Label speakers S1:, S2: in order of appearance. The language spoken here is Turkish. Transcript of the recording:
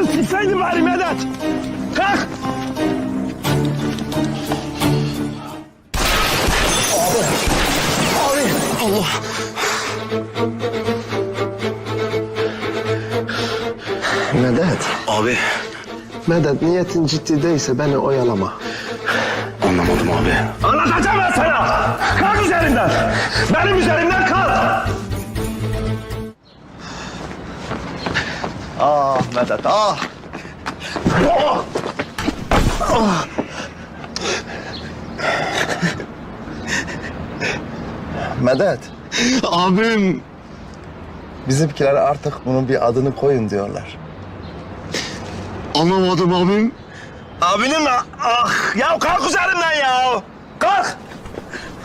S1: Sikseydin bari Medet. Kalk. Abi. Allah.
S2: Medet.
S3: Abi
S2: Medet, niyetin ciddi değilse beni oyalama.
S3: anlamadım abi.
S1: Anlatacağım ben sana. Kalk üzerimden. Benim üzerimden kalk.
S2: Ah Medet, ah! Medet,
S3: Abim.
S2: bizimkiler artık bunun bir adını koyun diyorlar.
S3: Anlamadım abim.
S1: Abinin mi? Ah ya kalk üzerimden ya. Kalk.